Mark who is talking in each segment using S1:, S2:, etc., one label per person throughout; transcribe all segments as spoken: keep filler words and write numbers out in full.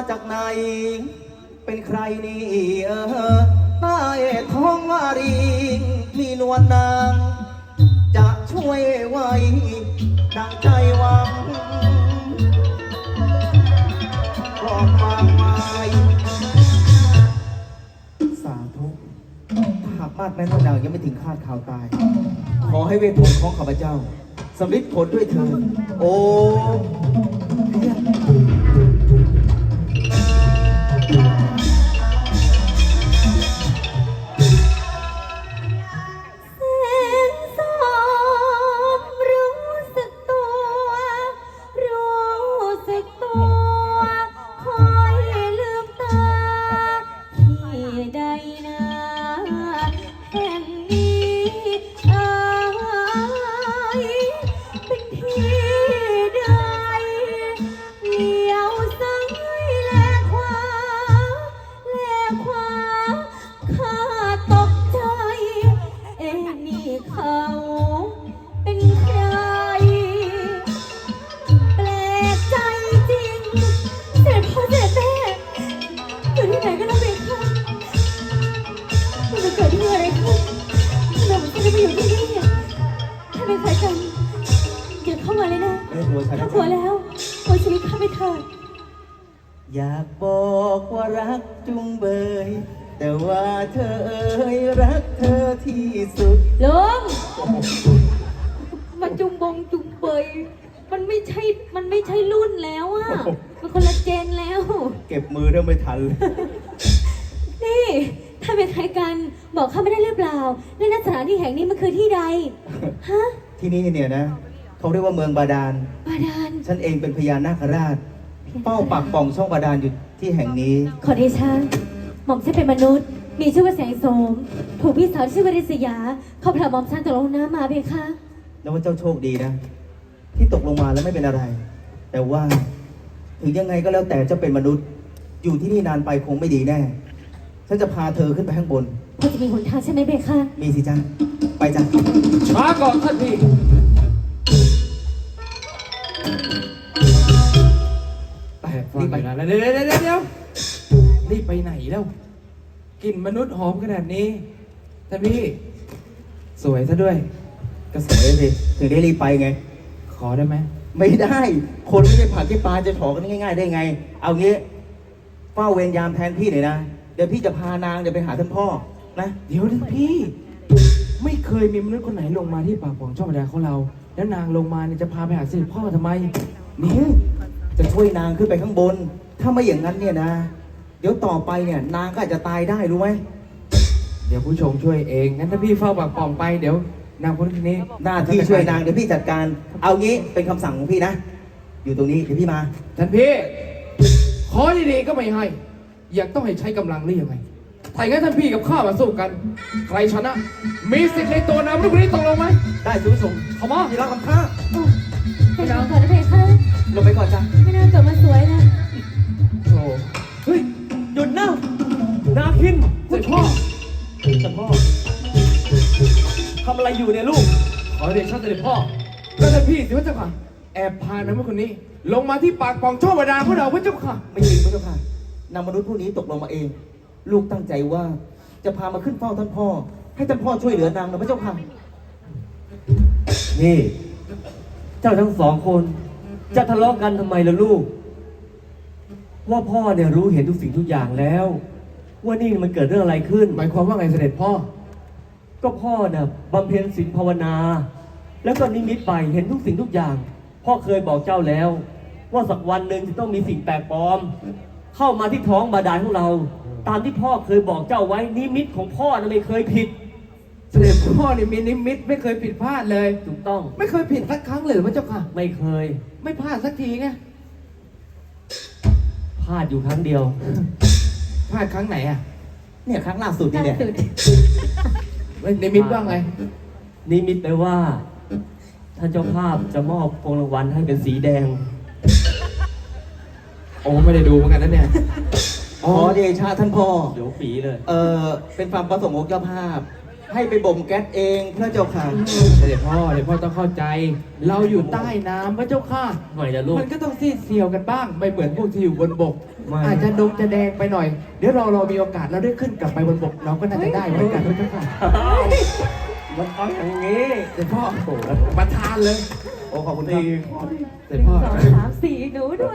S1: จากไหนเป็นใครนี่เออใต้ท้องวารีมีนวลนางจะช่วยไว้ดังใจหวังบอกมากมายสาธุหากมาดแม่นวลนางยังไม่ถึงคาดข่าวตายขอให้เวทมนต์ของข้าพเจ้าสำเร็จผลด้วยเถิดโอ้อยากบอกว่ารักจุงเบยแต่ว่าเธอเอ่ยรักเธอที่สุด
S2: ลุงมาจุงบงจุงเบยมันไม่ใช่มันไม่ใช่รุ่นแล้วอ่ะมันคนละเจนแล้ว
S1: เก็บมือเริ่มไม่ทัน
S2: นี่ถ้าเป็นใครกันบอกข้าไม่ได้หรือเปล่าในสถานที่แห่งนี้มันคือที่ใดฮะ
S1: ที่นี่เนี่ยนะเขาเรียกว่าเมืองบาดาล
S2: บาดาล
S1: ฉันเองเป็นพญานาคราชเป้าปากป่องช่องบาดาลอยู่ที่แห่งนี้
S2: ขอเดชะหม่อมฉันเป็นมนุษย์มีชื่อว่าแสงโสมถูกพี่สาวชื่อว่าริษยาเขาพาหม่อมฉันตกลงน้ำมาเพียงค่ะ
S1: แล้วว่าเจ้าโชคดีนะที่ตกลงมาแล้วไม่เป็นอะไรแต่ว่าถึงยังไงก็แล้วแต่เจ้าเป็นมนุษย์อยู่ที่นี่นานไปคงไม่ดีแน่ฉันจะพาเธอขึ้นไปข้างบน
S2: พอจะมีหนทางใช่ไหมเบค่ะ
S1: มีสิจ้าไปจ้า
S3: ช้าก่อนท่านพี่รีบไปนะเดี๋ยวเดี๋ยวเดี๋ยวเดี๋ยวรีบไปไหนแล้วกลิ่นมนุษย์หอมขนาดนี้ท่านพี่สวยซะด้วย
S1: ก็สวยสิถึงได้รีบไปไง
S3: ขอได้ไหม
S1: ไม่ได้คนไม่ใช่ผักที่ปลาจะถอกันง่ายๆได้ไงเอางี้เฝ้าเวรยามแทนพี่หน่อยนะเดี๋ยวพี่จะพานางเดี๋ยวไปหาท่านพ่อนะ
S3: เดี๋ยวท่านพี่ไม่เคยมีมนุษย์คนไหนลงมาที่ปากป่องช่องบาดาลของเราแล้วนางลงมาเนี่ยจะพาไปหาเสด็จพ่อทำไม
S1: นี่จะช่วยนางขึ้นไปข้างบนถ้าไม่อย่างนั้นเนี่ยนะเดี๋ยวต่อไปเนี่ยนางก็อาจจะตายได้รู้ไหม
S3: เดี๋ยวผู้ชมช่วยเองงั้นถ้าพี่เฝ้าปากป่องไปเดี๋ยวนางคนนี้
S1: หน้าที่ช่วยนางเดี๋ยวพี่จัดการเอางี้เป็นคำสั่งของพี่นะอยู่ตรงนี้เดี๋ยวพี่มา
S3: ท่านพี่ขอดีๆก็ไม่ให้อยากต้องให้ใช้กำลังหรือยังไงถ้าอย่างนั้นท่านพี่กับข้ามาสู้กันใครชนะมีสิทธิ์ในตัวนางลูกนี้ตกลงไหม
S1: ได้สูงส่ง
S3: เข้ามา
S1: พี่รักคำข้า
S2: ไปนอนก่อนนะเพคะ
S1: ลงไปก่อนจ้ะ
S2: ไม่น่าเกิดมาสวยนะ
S3: โอ้
S1: เฮ้ยหยุดนะนาคิน
S3: เสด็จพ่อ
S1: เสด็จพ่อทำอะไรอยู่เนี่ยลูก
S3: ขอเดชะเสด็จพ่อแล้วท่านพี่สิพระเจ้าค่ะแอบพานางคนนี้ลงมาที่ปากป่องช่องบาดาลของเราพระเจ้าค่ะ
S1: ไม่จริงพระเจ้าค่ะนางมนุษย์ผู้นี้ตกลงมาเองลูกตั้งใจว่าจะพามาขึ้นเฝ้าท่านพ่อให้ท่านพ่อช่วยเหลือนางนะพระเจ้าค่ะ
S4: นี่เจ้าทั้งสองคนจะทะเลาะกันทำไมล่ะลูกว่าพ่อเนี่ยรู้เห็นทุกสิ่งทุกอย่างแล้วว่านี่มันเกิดเรื่องอะไรขึ้น
S3: หมายความว่าไงเสด็จพ่อ
S4: ก็พ่อเนี่ยบำเพ็ญศีลภาวนาแล้วก็นิมิตไปเห็นทุกสิ่งทุกอย่างพ่อเคยบอกเจ้าแล้วว่าสักวันหนึ่งจะต้องมีสิ่งแปลกปลอมเข้ามาที่ท้องบาดาลของเราตามที่พ่อเคยบอกเจ้าไว้นิมิตของพ่อน่ะไม่เคยผิด
S3: เสด็จพ่อนี่มีนิมิตไม่เคยผิดพลาดเลย
S4: ถูกต้อง
S3: ไม่เคยผิดสักครั้งเลยพระเจ้าค่ะ
S4: ไม่เคย
S3: ไม่พลาดสักทีไง
S4: พลาดอยู่ครั้งเดียว
S3: พลาดครั้งไหนอ่ะ
S1: เนี่ยครั้งล่าสุดนี่เนี่ย
S3: นิมิตว่าไง
S4: นิมิตแปลว่าท่านเจ้าภาพจะมอบพวงรางวัลให้เป็นสีแดง
S3: โอ้ไม่ได้ดูเหมือนกันนะเนี่ย
S1: อ๋อเดชะท่านพ่อ
S4: เดี๋ยวปีเลย
S1: เออเป็นความประสงค์ของเจ้าภาพให้ไปบ่มแก๊สเองพระเจ้าค่ะ
S3: เสด็จพ่อเสด็จพ่อต้องเข้าใจ เราอยู่ใต้น้ำพระเจ้าค่ะ
S4: ทำไมล่ะลูก
S3: มันก็ต้องซีดเซียวกันบ้าง ไม่เหมือนพวกที่อยู่บนบก
S4: ไม่
S3: อาจจะดงจะแดงไปหน่อย เดี๋ยวเราเรามีโอกาสเราได้ขึ้นกลับไปบนบก เราก็น่าจะได้เหมือนกันพระเจ้าค่ะ
S4: มันต้องอย่างนี้
S3: เสด็จพ่อประทานเลย
S1: โอ้ขอบคุณครับ
S3: เสด็จพ่อ
S2: สองสามสี่หนูด้วย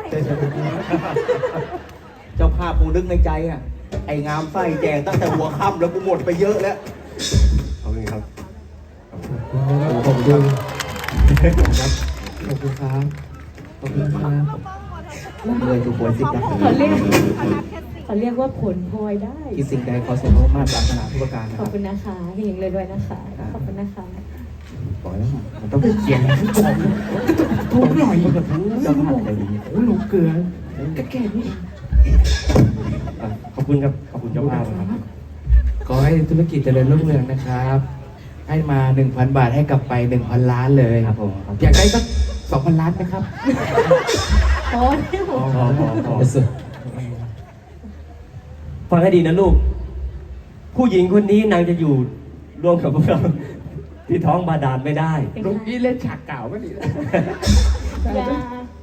S1: เจ้าภาพกูนึกในใจอ่ะ ไอ้งามไส้แจกตั้งแต่หัวค่ำแล้วกูหมดไปเยอะแล้ว
S4: ขอบคุณครับ
S3: ขอบคุณครับขอบคุณครับขอบคุณครับ
S1: เลยทุกคนสิครับ
S2: เขาเรียกเขาเรียกว่าผลพลอยได้
S1: คิดสิ่งใดขอสมมติมาตรารถนาทุกประการนะ
S2: ข
S1: ค
S2: อบ
S1: รับ
S2: คุณนะคะเฮงเลยด้วยนะคะ ขอบคุณนะคะ
S1: บอกแล้วมันต้องเขียนทุกคน
S3: ทุกหน่อย
S1: มันก็ทั้งเจ้าภาพใจดี
S3: โอ้หลงเกลือก็แก่นี่เอง
S4: อ่ะขอบคุณครับ ขอบคุณเจ้าภาพครับ
S3: ขอให้ธุรกิจเจริญรุ่งเรืองนะครับ ให้มา หนึ่งพัน บาทให้กลับไป หนึ่งพัน ล้านเลย
S4: ครับผมครับ
S3: อยากได้สัก สองพัน ล้านไหมครับ
S2: โอ้ย
S4: พอพอพอพอ
S1: สุด
S4: ฟังให้ดีนะลูก ผู้หญิงคนนี้นางจะอยู่ร่วมกับพวกเราที่ท้องบาดาลไม่ได้
S3: ลุงนี่เล่นฉากเก่าก็ดีนะ
S2: อย่า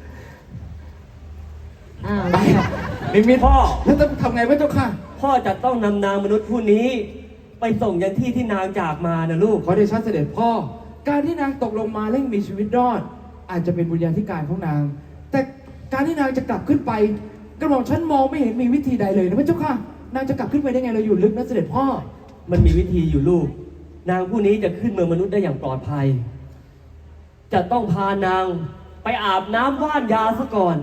S2: อ้าว
S3: ไปนิมิต
S4: พ่อ
S3: แล้วต้องทำไงพระเจ้าค่ะ
S4: พ่อจะต้องนำนางมนุษย์ผู้นี้ ไปส่งยันที่ที่นางจากมานะลูก
S3: ขอเดชะเสด็จพ่อ การที่นางตกลงมาเร่งมีชีวิตรอด อาจจะเป็นบุญญาธิการของนาง แต่การที่นางจะกลับขึ้นไปกระหม่อมฉันมองไม่เห็นมีวิธีใดเลยนะพระเจ้าค่ะ นางจะกลับขึ้นไปได้ไงเราอยู่ลึกนะเสด็จพ่อ
S4: มันมีวิธีอยู่ลูก นางผู้นี้จะขึ้นเมืองมนุษย์ได้อย่างปลอดภัย จะต้องพานางไปอาบน้ำว่านยาซะก่อน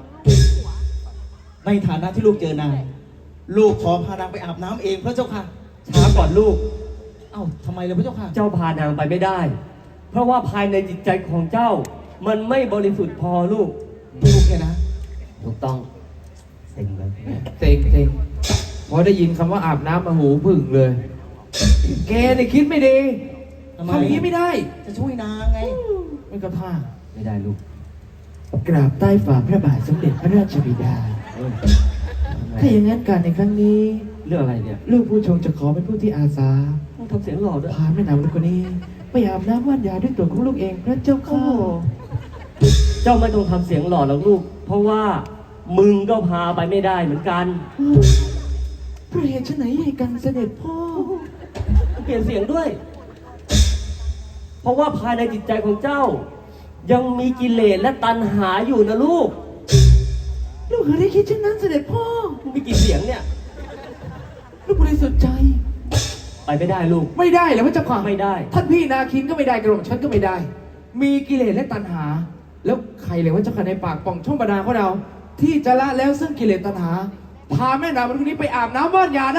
S1: ในฐานะที่ลูกเจอนางลูกขอพานางไปอาบน้ำเองพระเจ้าค่ะ
S4: ช้าก่อนลูก
S1: เอ้าทำไมล่ะพระเจ้าค่ะ
S4: เจ้าพานางไปไม่ได้ เพราะว่าภายในจิตใจของเจ้า มันไม่บริสุทธิ์พอลูก
S1: ลูกแค่นะ
S4: ถูกต้องเซ็งเลย
S3: เต็งเต็งพอได้ยินคำว่าอาบน้ำมาหูผึ่งเลย แกเนี่ยคิดไม่ดี
S1: ทำไม
S3: ทำอย่างนี้ไม่ได้
S1: จะช่วยนางไง
S3: ไม่ก็ท่า
S4: ไม่ได้ลูก
S3: กราบใต้ฝ่าพระบาทสมเด็จพระราชบิดา
S4: เอ้ย
S3: ถ้าอย่างนั้นการในครั้งนี้
S4: เรื่องอะไรเนี่ย
S3: ลูกผู้ชงจะขอเป็นผู้ที่อาสา
S4: ต้องทำเสียงหล่อด้วย
S3: พาแม่นางลูกคนนี้ ไปอาบน้ำว่านยาด้วยตัวของลูกเองพระเจ้า
S4: โอ้
S3: ค่ะ
S4: เจ้าไม่ต้องทำเสียงหล่อหรอกลูก เพราะว่ามึงก็พาไปไม่ได้เหมือนกัน
S3: พระเหตุไฉนใหญ่กันเสด็จพ่อ
S4: เปลี่ยนเสียงด้วย เพราะว่าภายในจิตใจของเจ้า ยังมีกิเลสและตัณหาอยู่นะลูก
S3: ลูกเคยได้คิดเช่นนั้นเสด็จพ่อ
S4: มึงมีกี่เสียงเนี่ย
S3: ลูกบริสุทธิ์ใจ
S4: ไปไม่ได้ลูก
S3: ไม่ได้เหรอพระเจ้าค่ะ
S4: ไม่ได้
S3: ท่านพี่นาคินก็ไม่ได้กระหม่อมฉันก็ไม่ได้ มีกิเลสและตัณหา แล้วใครเลยว่าเจ้าค่ะในปากป่องช่องบาดาลของเรา ที่จะละแล้วซึ่งกิเลสตัณหา พาแม่นางคนนี้ไปอาบน้ำว่านยาได้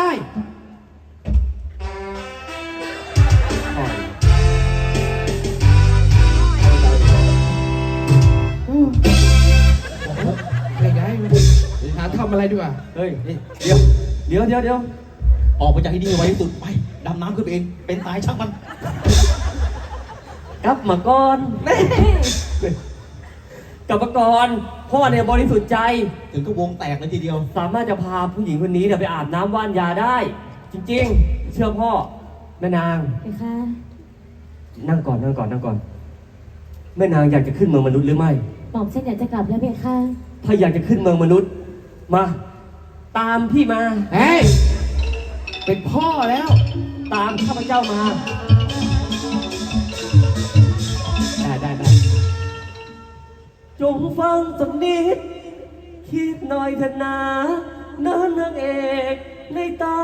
S3: ไม่ไงหาทำอะไรดีกว่า
S4: เฮ้ย
S1: นี่เดี๋ยว
S4: เดี๋ยวเดี๋ยวเดี๋ยว
S1: ออกไปจากที่นี่ไว้ที่สุด ไป ดำน้ำขึ้นไปเอง เป็นตายช่างมัน
S4: กลับมาก่อนกลับมาก่อนพ่อเนี่ยบริสุทธิ์ใจ
S1: ถึงก็วงแตกเลยทีเดียว
S4: สามารถจะพาผู้หญิงคนนี้เนี่ยไปอาบน้ำว่านยาได้ จริงๆ เชื่อพ่อแม่นาง
S2: ไปค่ะ
S4: นั่งก่อนนั่งก่อนนั่งก่อนแม่นางอยากจะขึ้นเมืองมนุษย์หรือไม่
S2: หม่อมเส้นอยากจะกลับแล้วเพคะ
S4: ถ้าอยากจะขึ้นเมืองมนุษย์ มา ตามพี่มา
S3: เฮ้ย เป็นพ่อแล้ว
S4: ตามข้าพเจ้ามา
S3: ได้ได้ได้
S4: จงฟังสักนิด คิดหน่อยเถอะนะนะนางเอกในตา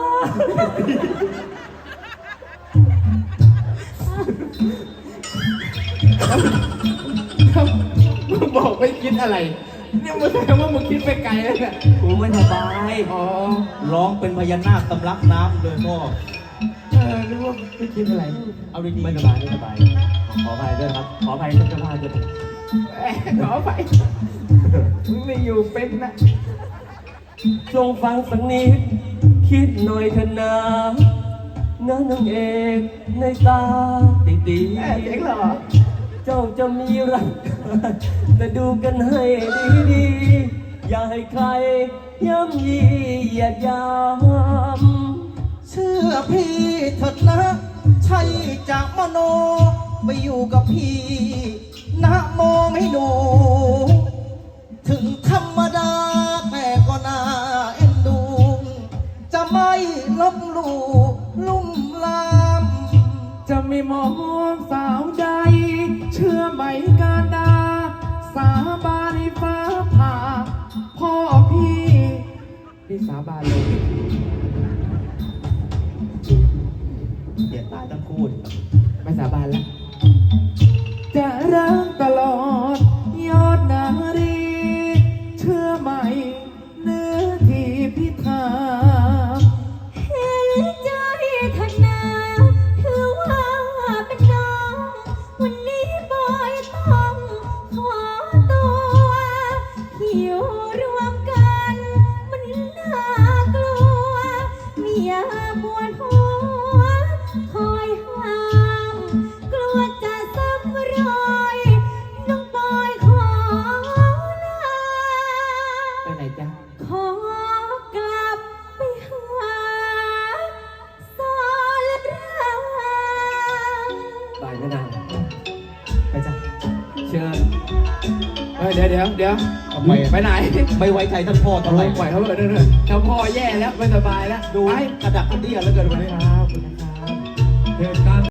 S3: มึงบอกไม่คิดอะไร เนี่ยมึงแสดงว่ามึงคิดไปไกลแล้วเนี่ย
S4: กูไม่สบาย
S3: อ๋อ
S1: ร้องเป็นพญานาคตำลักน้ำเลยพ่อ
S3: เออนึกว่าไม่คิดอะไร
S1: เอาดีๆ
S4: ไม่สบายไม่สบาย ขออภัยด้วยครับ ขออภัยท่านเจ้าภาพด้วย
S3: เอ้ยขอไปมึงไม่อยู่เป็นนะ
S4: จงฟังสักนิด คิดหน่อยเถอะนะนะนางเอกในตาตีตี
S3: แม่เสียงหรอ
S4: เจ้าจะมีรัก แต่ดูกันให้ดีๆ อย่าให้ใครย่ำยีเหยียดยาม
S1: สชื่อพี่เถิดนะ ใช่จะมโนไปอยู่กับพี่นะโมไม่ดู ถึงธรรมดาแต่ก็น่าเอ็นดู จะไม่ลบหลู่ลุ่มลาม
S3: จะไม่มองสาวใด เชื่อไหมการดา สาบานให้ฟ้าผ่า พ่อพี่พี่สาบานเลย
S1: เดี๋ยวตายทั้งคู่ดิ
S3: ไม่สาบานแล้ว จะรักตลอด ยอดนารี เชื่อไหมเนื้อที่พี่ถาม
S2: เห็นใจทนาถือว่าเป็นน้องวันนี้บอยต้องขอตัวอยู่รวมกันมันน่ากลัวเมียปวดหัวคอยห้ามกลัวจะซ้ำรอยน้องบอยขอลา
S3: ไปไหนจ๊ะ
S2: ขอกลับไปหาสอนราม
S4: ไปแม่นาง
S1: ไปจ้ะ
S4: เชิญ
S3: เอ้ยเดี๋ยวเดี๋ยวเดี๋ยว
S1: ทำไมอะ
S3: ไปไหน
S1: ไม่ไว้ใจท่านพ่อ
S3: ป
S1: ทำไม
S3: ล่อยเขาเลยเรื่อยๆถ้าพ่อแย่แล้วไม่สบายแล้ว
S1: ดู
S3: ไป
S1: กระดักกระเดี่ยแล้วเกินวันนี้
S3: ครับขอบคุณนะครับ
S4: เหตุการณ์